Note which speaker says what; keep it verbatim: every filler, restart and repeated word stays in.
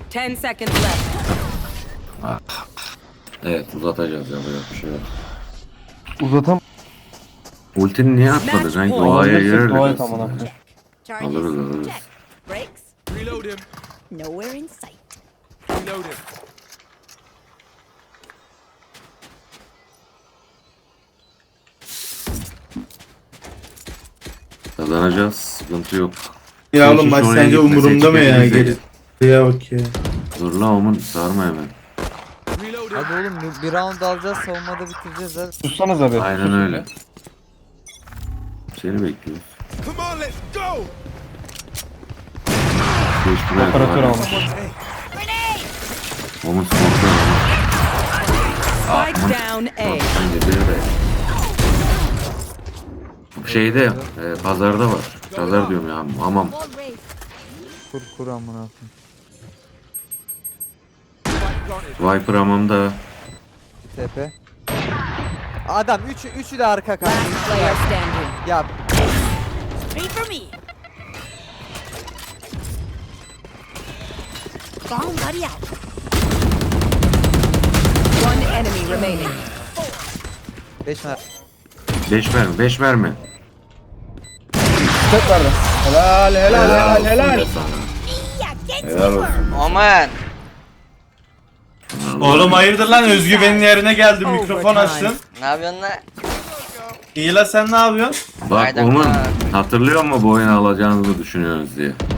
Speaker 1: Ten seconds left.
Speaker 2: Evet uzatacağız ya böyle bir şey yok.
Speaker 3: Uzatam.
Speaker 2: Ultini niye atmadı? Sanki
Speaker 1: point.
Speaker 2: O'ya
Speaker 3: Alabilirsek
Speaker 2: girerdik
Speaker 3: dua et
Speaker 2: aslında.
Speaker 3: amına koyayım.
Speaker 4: Charges.
Speaker 2: Alırız alırız.
Speaker 4: Check. Brakes.
Speaker 5: Reload him.
Speaker 4: Nowhere in sight.
Speaker 5: Reload him.
Speaker 2: Kazanacağız. Sıkıntı yok.
Speaker 6: Ya oğlum
Speaker 2: Seçim
Speaker 6: maç
Speaker 2: oraya
Speaker 6: sence
Speaker 2: gitme,
Speaker 6: umurumda mı
Speaker 2: seçim
Speaker 6: ya?
Speaker 2: elimize.
Speaker 6: Geri ya bak ya.
Speaker 2: Dur lan Omun sarma hemen.
Speaker 5: Reload him.
Speaker 7: Hadi oğlum bir, bir round alacağız, savunmada bitireceğiz hadi.
Speaker 3: Sussanız abi.
Speaker 2: Aynen öyle. Seni bekliyoruz.
Speaker 5: Come on, let's go.
Speaker 2: Geçtiler.
Speaker 3: Operatör almış.
Speaker 2: Omun smoke'da.
Speaker 1: Spike down A.
Speaker 2: Bence bir de. Şeyde, e, pazarda var. Pazar diyorum ya, hamam.
Speaker 4: Wall raised.
Speaker 7: Kur kur amına koyayım.
Speaker 2: Viper hamamda.
Speaker 7: T P. Adam üçü üçü de arka kanka.
Speaker 1: Last player standing.
Speaker 7: Ya
Speaker 4: Three for me. Bomb buddy out.
Speaker 1: One enemy remaining.
Speaker 7: beş mer.
Speaker 2: Beş mermi, beş mermi.
Speaker 3: Tek verdi.
Speaker 6: Helal helal helal helal.
Speaker 2: olsun be sana.
Speaker 4: Yeah, get
Speaker 2: Helal olsun.
Speaker 8: Aman.
Speaker 6: Oğlum hayırdır lan, özgüvenin yerine geldi, mikrofon açtın.
Speaker 8: Ne yapıyorsun lan?
Speaker 6: İyi la, sen ne yapıyorsun?
Speaker 2: Bak
Speaker 8: Aynen.
Speaker 2: Omun, hatırlıyor musun bu oyunu alacağınızı düşünüyorsunuz diye.